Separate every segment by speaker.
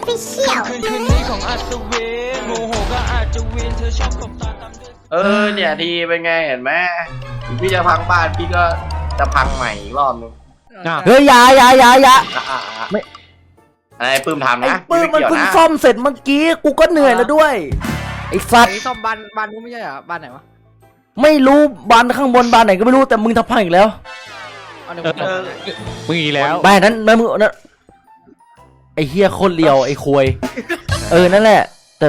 Speaker 1: Official
Speaker 2: เนี่ยทีเป็นไงเห็นไหมพี่จะพังบ้านพี่ก็จะพังใหม่อีกรอบนึง
Speaker 3: เฮ้ยอย่า
Speaker 2: ไม่อะไรปื้มทำนะ
Speaker 3: ปื้มมันเพิ่งซ่อมเสร็จเมื่อกี้กูก็เหนื่อยแล้วด้วยไอ้สัตว์
Speaker 4: ซ่อมบ้านกูไม่ใช่เหรอบ้านไหนวะ
Speaker 3: ไม่รู้บานข้างบนบานไหนก็ไม่รู้แต่มึงทำพังอีกแล้ว
Speaker 4: เอาเดี๋ยว
Speaker 5: มึงอีกแล้ว
Speaker 3: บ้านนั้นมึงนั่นไอ้เฮียโคตรเลียวไอ้ควยนั่นแหละแต่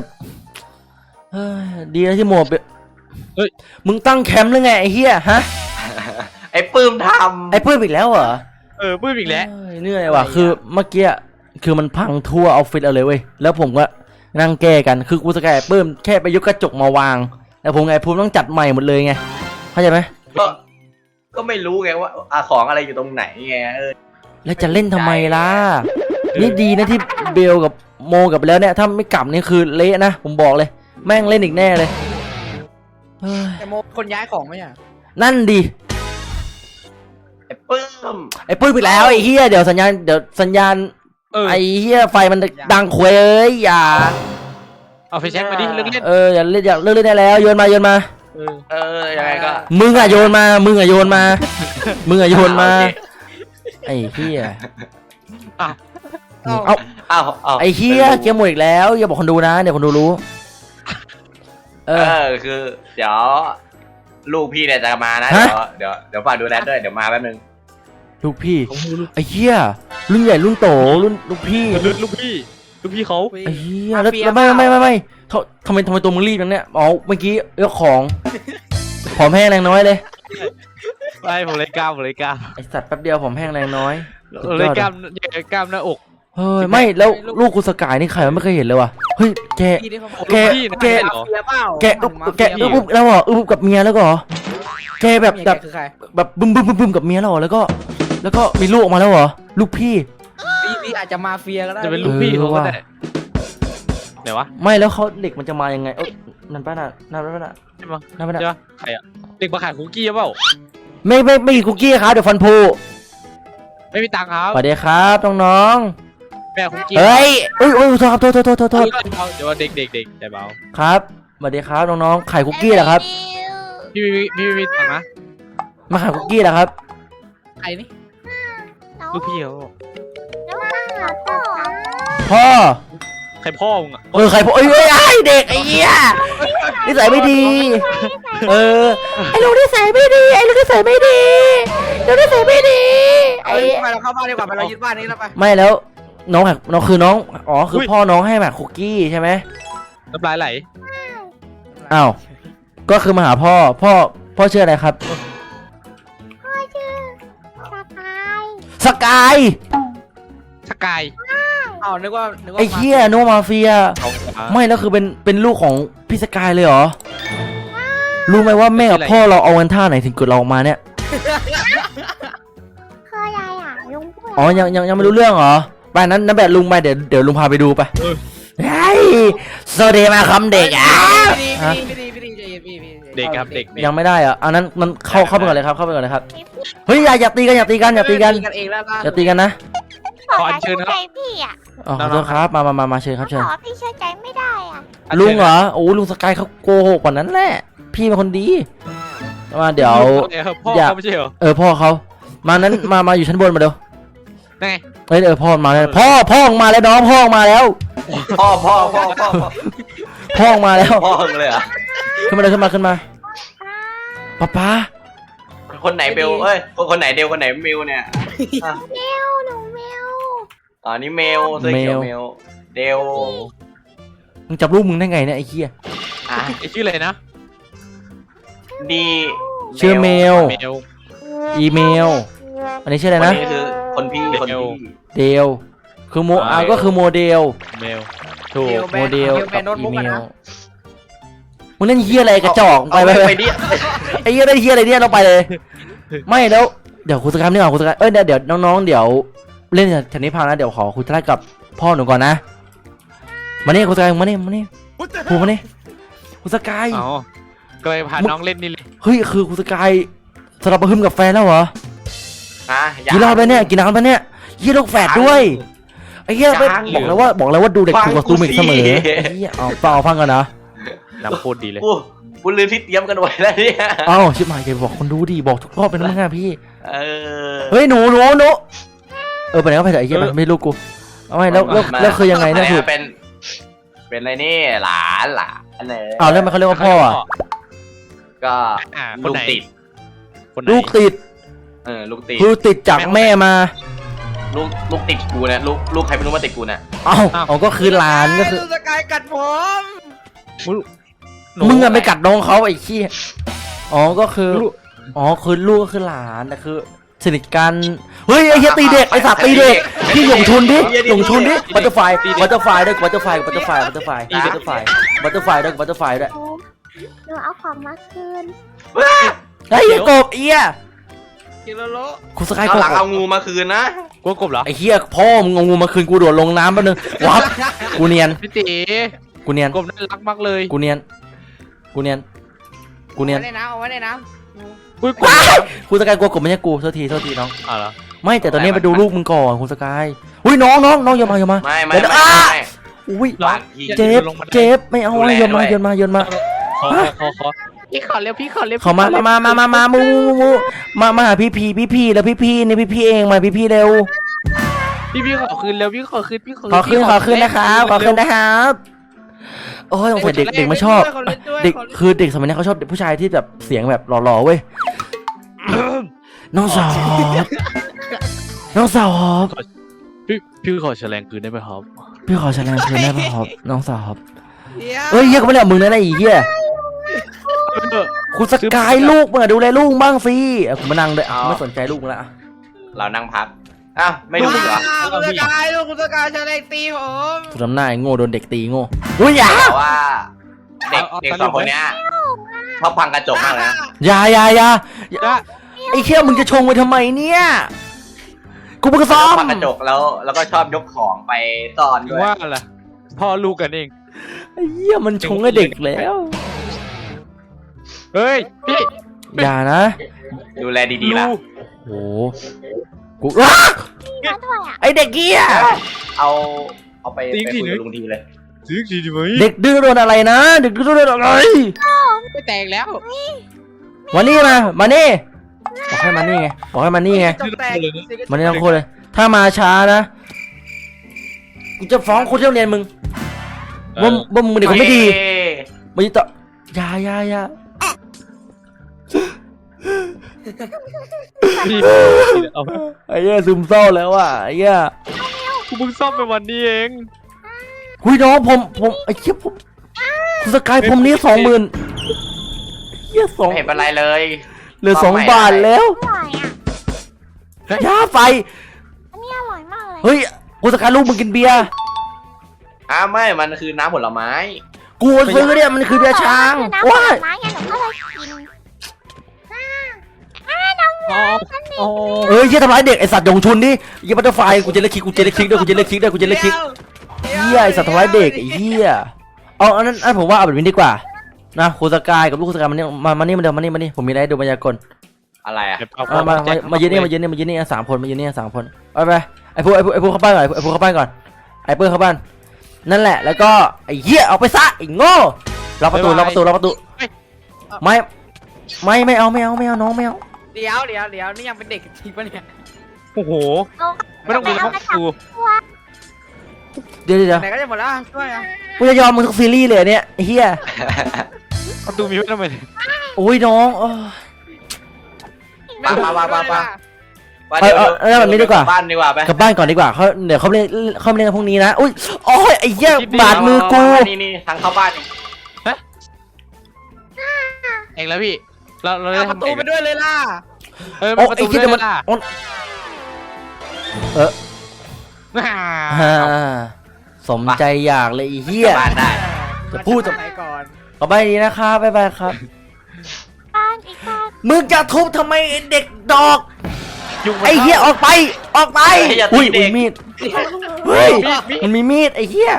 Speaker 3: ดีนะที่หมวกมึงตั้งแคมป์หรือไงไอ้เฮียฮะ
Speaker 2: ไอ้ปื้มท
Speaker 3: ไอ้ปื้มอีกแล้วเหรอ
Speaker 5: ปื้มอีกแล้ว
Speaker 3: เหนื่อยว่ะคือเมื่อกี้คือมันพังทั่วออฟฟิศเอาเลยเว้ยแล้วผมก็นั่งแก้กันคือกูสแกนปื้มแค่ไปยกกระจกมาวางแต่ผมไงผมต้องจัดใหม่หมดเลยไงเข้าใจไหม
Speaker 2: ก็ไม่รู้ไงว่าของอะไรอยู่ตรงไหนไง
Speaker 3: แล้วจะเล่นทำไมล่ะนี่ดีนะที่เบลกับโมกลับไปแล้วเนี่ยถ้าไม่กลับนี่คือเละนะผมบอกเลยแม่งเล่นอีกแน่เลย
Speaker 4: แต่โมคนย้ายของไหมอ่ะ
Speaker 3: นั่นดี
Speaker 2: ไอ้ปื้ม
Speaker 3: อีกแล้วไอ้เฮียเดี๋ยวสัญญาณไอ้เฮียไฟมันดังเคว้ยอย่า
Speaker 5: เอาไฟแช็กมาดิเลิกเล่น
Speaker 3: อย่าเลิกเล่นได้แล้วโยนมา
Speaker 2: ยังไงก็
Speaker 3: มึงอะโยนมาไอ้เฮียเอาไอ้เฮียเกมหมดอีกแล้วอย่าบอกคนดูนะเดี๋ยวคนดูรู้
Speaker 2: คือเดี๋ยวลูกพี่เนี่ยจะมานะเดี๋ยวฝากดูแลด้วยเดี๋ยวมาแป๊บนึง
Speaker 3: ลูกพี่ไอ้เฮียรุ่นใหญ่รุ่นโตรุ่นลูกพี่
Speaker 5: เขา
Speaker 3: ไอ้เฮียแล้วไม่ทำไมตัวมึงรีบอย่างเนี้ยอ๋อเมื่อกี้ยกของผอมแห้งแรงน้อยเลย
Speaker 5: ไม่ผมเลยกล้าม
Speaker 3: ไอสัตว์แป๊บเดียวผอมแห้งแรงน้อย
Speaker 5: เลยกล้ามหน้าอก
Speaker 3: เฮ้ยไม่แล้วลูกกูสกายนี่ใครไม่เคยเห็นเลยว่ะเฮ้ยแกอึบแล้วเหรออึบกับเมียแล้วก็แกแบบบึ้มกับเมียแล้วแล้วก็มีลูกออกมาแล้วเหรอลูกพี่
Speaker 4: อาจจะมาเฟียก็ได้
Speaker 5: จะเป็นลูกพี่เขาก็ได้ไหนวะ
Speaker 3: ไม่แล้วเขาเด็กมันจะมายังไงนั่นป้าน่ะใช่
Speaker 5: ปะใครอะเด็กมาขายคุกกี้เปล่า
Speaker 3: ไม่คุกกี้ครับเดี๋ยวฟันพู
Speaker 5: ไม่มีตังค์ครับ
Speaker 3: สวัสดีครับน้อง
Speaker 5: แม่คุกกี้
Speaker 3: เฮ้ยโทษเ
Speaker 5: ดี๋ยวเด็กใจเบา
Speaker 3: ครับสวัสดีครับน้องขายคุกกี้เหรอครับ
Speaker 5: พี่มีตังค์นะ
Speaker 3: มาขายคุกกี้เหรอครับ
Speaker 4: ใครนี่
Speaker 5: ลูกพี่เขา
Speaker 3: พ่อ
Speaker 5: ใครพ่อมึงอ่ะ
Speaker 3: ใครพ่อไอ้เด็กไอ้เหี้ยนิสัยไม่ดีไอ้ลูกนิสัยไม่ดีลูกนิสัยไม่ดี
Speaker 4: ไอ้ไปเราเข้าบ้านดีกว่าไปเรายึดบ้านนี้แล้วไป
Speaker 3: ไม่แล้วน้องคือน้องอ๋อคือพ่อน้องให้มาคุกกี้ใช่ไหม
Speaker 5: น้ำลายไหล
Speaker 3: อ้าวก็คือมาหาพ่อชื่ออะไรครับ
Speaker 1: พ่อชื่อ
Speaker 3: สกาย
Speaker 4: นึกว่า
Speaker 3: ไอ้เหี้ยโนมาเฟียไม่แล้วคือเป็นลูกของพี่สกายเลยเหรอรู้ไหมว่าแม่กับพ่อเราเอากันท่าไหนถึงเกิดเราออกมาเนี่ย
Speaker 1: คืออะไรอ่ะลุงพูด
Speaker 3: อ๋อยังไม่รู้เรื่องเหรอไปนั้นนั่นแบบลุงไปเดี๋ยวลุงพาไปดูไปเฮ้ยสวัสดีมาคำเด็กอ่ะ
Speaker 5: เด็กครับเด็ก
Speaker 3: ยังไม่ได้อ่ะอันนั้นมันเข้าไปก่อนเลยครับเฮ้ยอย่าตีกันอย่าตีกันนะ
Speaker 5: ขอเชิญครับ
Speaker 1: พี่อ่ะ
Speaker 3: อ๋อขอโทษครับมาเชิญครับเชิญ
Speaker 1: พี่เชื่อใจไม่ได้อ่ะ
Speaker 3: ลุงเหรอโอ้ลุงสกายเขาโกหกกว่านั้นแหละพี่เป็นคนดีมาเดี๋ยว
Speaker 5: พ่อเขาไม่ใช่เหรอ
Speaker 3: พ่อเขามานั้นมาอยู่ชั้นบนมาเดี๋ยว
Speaker 5: ไง
Speaker 3: พ่อมาแล้วพ่อมาแล้วน้องพ่อมาแล้ว
Speaker 2: พ่อ
Speaker 3: มาแล้ว
Speaker 2: พ่อเลยอ่ะ
Speaker 3: ขึ้นมาป๊า
Speaker 2: คนไหนเบลคนไหนเดลคนไหนเมลเนี่ย
Speaker 1: หนูเมล
Speaker 2: อ๋อนี่เมลเดล
Speaker 3: มึงจับลูกมึงได้ไงเนี่ยไอ้เหี้ย
Speaker 5: ไอ้ชื่ออะไรนะ
Speaker 2: ดี
Speaker 3: ชื่อเมลอีเมลอันนี้ชื่ออะไรนะ
Speaker 2: คือคนพี่
Speaker 3: เดลคือก็คือโมเดล
Speaker 5: เมลถูก
Speaker 3: โมเดลกับอีเมลมึงเล่นเหี้ยอะไรกระจอกไปดิไอ้เหี้ยได้เหี้ยอะไรเนี่ยเราไปเลยไม่แล้วเดี๋ยวคุณสกายนี่ก่อนคุณสกายเดี๋ยวน้องเดี๋ยวเล่นแถวนี้พังนะเดี๋ยวขอคุยธุระกับพ่อหนูก่อนนะมาเนี่ยคุณสกายมาเนี่ยพูดมาเนี่ยคุณสกาย
Speaker 5: ก็เลยพาน้องเล่นนี่เลย
Speaker 3: เฮ้ยคือคุณสกายสลับมาหึมกับแฟนแล้วเหรอ
Speaker 2: กี่
Speaker 3: รอบแล้วเนี่ยกี่น้ำแล้วเนี่ยยี่ลูกแฝดด้วยไไอ้เหี้ยไม่บอกแล้วว่าดูเด็กถูกกับตูมิกเสมอไอ้เหี้ยเอาเปล่าฟังกันนะ
Speaker 5: น้ำโคตรดีเลย
Speaker 2: กูลืมที่เตรียมกันไว้แล้วเนี่ย
Speaker 3: เอ้าชิบหายจะบอกคนดูดิบอกทุกรอบเป็นมั้งอะพี่
Speaker 2: เออ
Speaker 3: เฮ้ยหนูไปไหนก็ไปเถอะไอ้เหี้ยมันไม่รู้กูเอาไงแล้วคือยังไงเนี่ยถูก
Speaker 2: เป็นอะไรนี่หลานเนี่ย
Speaker 3: อ้าวแล้วมันเขาเรียกว่าพ่ออ่ะ
Speaker 2: ก็
Speaker 5: ค
Speaker 2: ลู
Speaker 5: น
Speaker 2: ก
Speaker 5: ไหน
Speaker 2: ติด
Speaker 5: คนไหน
Speaker 3: ลูกติด
Speaker 2: ลูกติด
Speaker 3: คือติดจากแม่มา
Speaker 2: ลูกติดกูเนี่ยลูกใครไม่รู้มาติดกูเนี่ย
Speaker 3: เอ้าก็คือหลานก็คือ
Speaker 4: สกายกัดผม
Speaker 3: มึงอะไปกัดน้องเขาไอ้ขี้ยก็คือคือลูกก็คือหลานแต่คือสนิทกันเฮ้ยไอ้เหี้ยตีเด็กไอ้สัตว์ตีเด็กพี่หยงชุนดิบัตเตอร์ไฟด้วยบัตเตอร์ไฟด้วยบัตเตอร์ไฟด้วย
Speaker 1: หนูเอาของมาคืน
Speaker 3: ไอ้เหี้ยกบเอี้ย
Speaker 4: กิโลโล
Speaker 3: คุณสกาย
Speaker 2: เอา
Speaker 3: ก
Speaker 2: หลัง
Speaker 3: บ
Speaker 2: เอางูมาคืนนะ
Speaker 5: กลัวกบเหรอ
Speaker 3: ไอ้เหี้ยพ่อมึงเอางูมาคืนกูโดดลงน้ำแป๊บนึงวับกูเนียน
Speaker 5: พี่ตี
Speaker 3: กูเนียน
Speaker 5: กบน่ารักมากเลย
Speaker 3: กูเนียน
Speaker 4: เอาไว้ในน้ำเอาไว้ในน้
Speaker 5: อุ้ยกบ
Speaker 3: คุณสกายกลัวกบไม่ใช่กูโทษทีน้อง
Speaker 5: อ๋อเหรอ
Speaker 3: ไม่แต่ตอนนี้ไปดูลูกมึงก่อนคุณสกายอุ้ยน้องอย่ามา
Speaker 2: ไม่
Speaker 3: อุ้ย
Speaker 2: หลานพี่
Speaker 3: เจ็บไม่เอาโยนมา
Speaker 5: ขอพี่ขอเร็วพี่ขอเร็ว
Speaker 3: เขามามูมาหาพี่แล้วพี่นี่พี่เองมาพี่เร็ว
Speaker 5: พี่ขอคืนเร็วพี่ขอคืน
Speaker 3: ขอคืนนะครับโอ้ยสงสัยเด็กไม่ชอบเด็กคือเด็กสมัยนี้เขาชอบเด็กผู้ชายที่แบบเสียงแบบหล่อๆเว้ยน้องสาว
Speaker 5: พี่ขอแฉลงคืนได้ไหมครับ
Speaker 3: พี่ขอแสดงคืนได้ป่ะครับน้องสาวครับ
Speaker 4: ำ
Speaker 3: เอ้ยเฮียก็ไม่ได้มึงนะไอ้เหี้ยคุณสกายลูกมึงดูแลลูกบ้างสิกูมานั่งด้วยไม่สนใจลูกมึงละ
Speaker 2: เรานั่งพักอ้าวไม่รู้เหรอ
Speaker 4: คุณสกายลูกคุณสกายจะได้ตีผม
Speaker 3: สุดน้ำหน้าโง่โดนเด็กตีโง่อุ้ยอย่า
Speaker 2: แต่ว่าเด็กสองคนเนี้ยชอบพังกระจกมากเลยนะ
Speaker 3: อย่าไอ้เขี้ยมึงจะชงไปทำไมเนี่ยกูเพิ่งซ้อม
Speaker 2: พังกระจกแล้วก็ชอบยกของไปซ่อนด้วย
Speaker 5: ว่าอะไรพ่อลูกกันเอง
Speaker 3: ไอ้เหี้ยมันชงให้เด็กแล้ว
Speaker 5: เฮ้ยพี่
Speaker 3: อย่านะ
Speaker 2: ดูแลดีๆล่ะ
Speaker 3: โอ้กูว้า
Speaker 1: มาด้วยอ่ะ
Speaker 3: ไอเด็กเกี้ย
Speaker 2: เอาไปคุยกับลุงทีเลย
Speaker 5: ซื้อดีไหม
Speaker 3: เด็กดื้อโดนอะไรนะเด็กดื้อโดนอะไร
Speaker 5: ไม่แตกแล้ว
Speaker 3: มานี่มานี่บอกให้มานี่ไงมานี่ทั้งคนเลยถ้ามาช้านะกูจะฟ้องคนที่โรงเรียนมึงว่ามึงเด็กคนไม่ดีมึงจะอย่า
Speaker 5: พี่เอา
Speaker 3: ไอ้เหี้ยซึมเศร้าแล้วอ่ะไอ้เหี้ย
Speaker 5: กูเพิ่งซ่อมไปวันนี้เอง
Speaker 3: คุยน้องผมไอ้เหี้ยผมคุณสกายผมนี้20,000เหี้ย2
Speaker 2: ไม่เห็นเป็นไรเลย
Speaker 3: เหลือ2 บาทแล้ว
Speaker 1: อร่อยอ่ะ
Speaker 3: ย่าไฟ
Speaker 1: อันนี้อร่อยมากเลย
Speaker 3: เฮ้ยคุณสกายลูกมึงกินเบียร์
Speaker 2: ไม่มันคือน้ำผลไม้
Speaker 3: กูซื้อเนี่ยมันคือเบียร์ช้าง
Speaker 1: น้ำผ
Speaker 3: ว้า
Speaker 1: ล
Speaker 3: ย
Speaker 1: ไม้ไงหนูก็เลยกิน
Speaker 3: เอ้ยเหี้ยทำร้ายเด็กไอสัตว์ยงชุนดิเหี้ยบัตเตอร์ไฟกูจะเล่นคลิกด้วยกูจะเล่นคลิกเหี้ยไอสัตว์ทำร้ายเด็กไอ้เหี้ยเอาอันนั้นผมว่าเอาแบบนี้ดีกว่านะคุณสกายกับลูกคุณสกายมานี่ผมมีอะไรให้ดูมายากล
Speaker 2: อะไรอ่ะ
Speaker 3: มายืนนี่3 คนมายืนนี่3 คนไปไอ้พวกเข้าบ้านก่อนไอ้พวกเข้าบ้านก่อนไอ้เปิ้ลเข้าบ้านนั่นแหละแล้วก็ไอ้เหี้ยเอาไปซะไอ้โง่ล็อกประตูไม่เอาน้องไม่เอา
Speaker 4: เดี๋ยวนี่ยังเป็นเด็กจริงปะเนี่ย
Speaker 5: โอ้โหไม่ต้องมีแล้วกู
Speaker 3: เดี๋ยว
Speaker 4: ไหนก็จะหมดแล้วช่วยอ่ะ
Speaker 3: กูจะยอมมึงทุกซีรีส์เลยเนี่ยไอ้เหี้ย
Speaker 5: ประตูมีไว้ทำไม
Speaker 3: โอ้ยน้อง
Speaker 2: มา
Speaker 3: แบบนี้ดีกว่า
Speaker 2: บ้านดีกว่าไป
Speaker 3: กลับบ้านก่อนดีกว่าเดี๋ยวเขาเล่นกันพรุ่งนี้นะอุ้ยโอ้ยไอ้เหี้ยบาดมือกู
Speaker 2: นี่ทางเข้าบ้านนี่
Speaker 5: เองแล้วพี่เราได้
Speaker 4: เอาประ
Speaker 5: ทำ
Speaker 4: ตูไปด้วยเลยล่ะ
Speaker 3: โอ้ไอ้เหี้ยมันสมใจอยากเลยไอ้เหี้ย
Speaker 2: บ้านได้
Speaker 3: จะพูดจะ
Speaker 4: ไหนก่อน
Speaker 3: ต่อไปดีนะครับบ๊ายบายครับ
Speaker 1: บ้านอีกบ้าน
Speaker 3: มึงจะทุบทำไมเด็กดอกไอ้เหี้ยออกไปอุ้ยมีดเฮ้ยมันมีมีดไอ้เหี้ย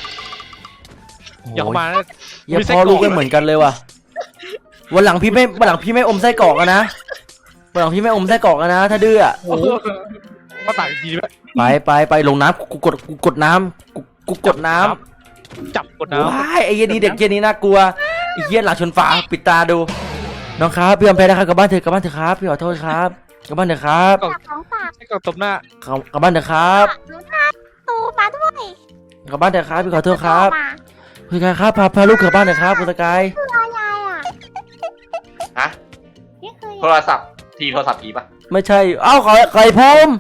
Speaker 5: อย่าเข้ามา
Speaker 3: อย่าพอลูกกันเหมือนกันเลยว่ะวันหลังพี่ไม่อมไส้กรอกนะถ้าดื้อ
Speaker 5: มาต่างทีไหม
Speaker 3: ไปลงน้ำกูกดน้ำกูกดน้ำ
Speaker 5: จับกดน้ำ
Speaker 3: ว้ายไอ้เหี้ยนี่เด็กเหี้ยนี้น่ากลัวไอ้เหี้ยหลังชนฝาปิดตาดูน้องครับพี่ยอมแพ้นะครับกลับบ้านเถอะครับพี่ขอโทษครับกลับบ้านเถอะครับ
Speaker 1: ฝากของฝาก
Speaker 5: ให้กดตบหน้าก
Speaker 3: ลับบ้านเถอะครับ
Speaker 1: หนูทานตูมาด้วย
Speaker 3: กลับบ้านเถอะครับพี่ขอโทษครับ
Speaker 1: มา
Speaker 3: คุณสกายครับพาลูกกลับบ้านเถอะครับคุณสกาย
Speaker 1: คือยายอ่ะ
Speaker 2: ฮะ
Speaker 1: นี่คือ
Speaker 2: โทรศัพท์โทรศัพท์ผีปะ
Speaker 3: ไม่ใช่เอ้าไข่พม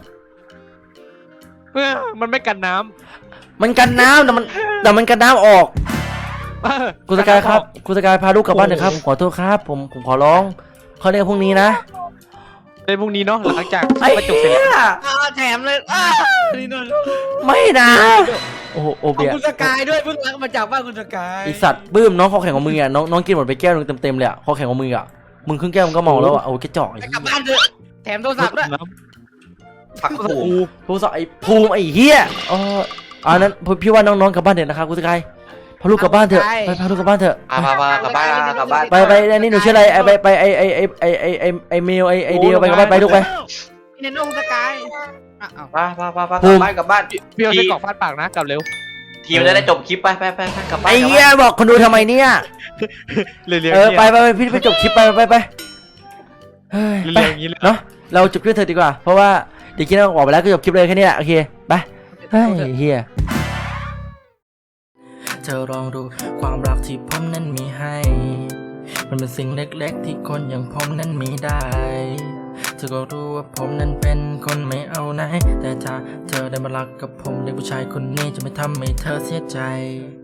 Speaker 5: มันไม่กันน้
Speaker 3: มันกันน้ำแต่มันกันน้ำออก
Speaker 5: ำ
Speaker 3: คุณสกายครับคุณสกายพาลูกกลับบ้านเถอะครับผมขอโทษครับผมขอร้องเขาเรียกพรุ่งนี้นะ
Speaker 5: ในพรุ่งนี้เนาะหลังจาก
Speaker 3: ไอ้
Speaker 5: ประจบเสร็จ
Speaker 3: เหี้ย
Speaker 4: แถมเลยนี่นน
Speaker 3: ไม่นะโอ้โหโอ
Speaker 4: เอา
Speaker 3: เบีย
Speaker 4: คุณสกายด้วยเพิ่งรักมาจากบ้านคุณสกาย
Speaker 3: ไอสัตว์บื้มน้องคอแข็งของมึงอ่ะน้องกินหมดไปแก้วนึงเต็มเลยอ่ะคอแข็งของมึงอ่ะมึงครึ่งแก้วมึงก็เมาแล้วอ่ะโอ้แกจอกไอ้
Speaker 4: ไป
Speaker 3: เหี้
Speaker 4: กลับ
Speaker 3: ย
Speaker 4: บ้านเถอะแถมโทรศัพท์ด้วย
Speaker 5: น้
Speaker 2: พักผู
Speaker 3: โทรศัพท์ไอ้ภูมิไอ้เหี้ยอ๋ออันนั้นพี่ว่าน้องๆกลับบ้านเถอะนะครับคุณสกายพาลูกกลับบ้านเถอะไปพาลูกกลับบ้านเถอะ
Speaker 2: พากลับบ้านกลับบ้าน
Speaker 3: ไปอันนี้หนูชื่ออะไรไปไอเมลไอเดียวไปกลับบ้านไปลูกไป
Speaker 4: นี่ในน้องคุณสกายอ้าว
Speaker 2: กลับบ้าน
Speaker 5: ำพี่เอาไส้กรอกฟาดปากนะกลับเร็ว
Speaker 2: ทีมันจะได้จบคลิปไปกลับบ้าน
Speaker 3: ไอ้เหี้ยบอกคนดูทำไมเนี่ย
Speaker 5: เร็วๆ
Speaker 3: ไปพี่ไปจบคลิปไปเฮ้ย
Speaker 5: เร็
Speaker 3: ไป
Speaker 5: วๆอย่างนี้เลย
Speaker 3: เนาะเราจบคลิปเถอะดีกว่าเพราะว่าเดี๋ยวคิดว่าออกไปแล้วก็จบคลิปเลยแค่นี้แหละโอเคไปเฮ้ยเฮียเธอลองดูความรักที่ผมนั้นมีให้ มันเป็นสิ่งเล็กๆที่คนอย่างผมนั้นมีได้เธอก็รู้ว่าผมนั้นเป็นคนไม่เอาไหนแต่ถ้าเธอได้มารักกับผมเด็กผู้ชายคนนี้จะไม่ทำให้เธอเสียใจ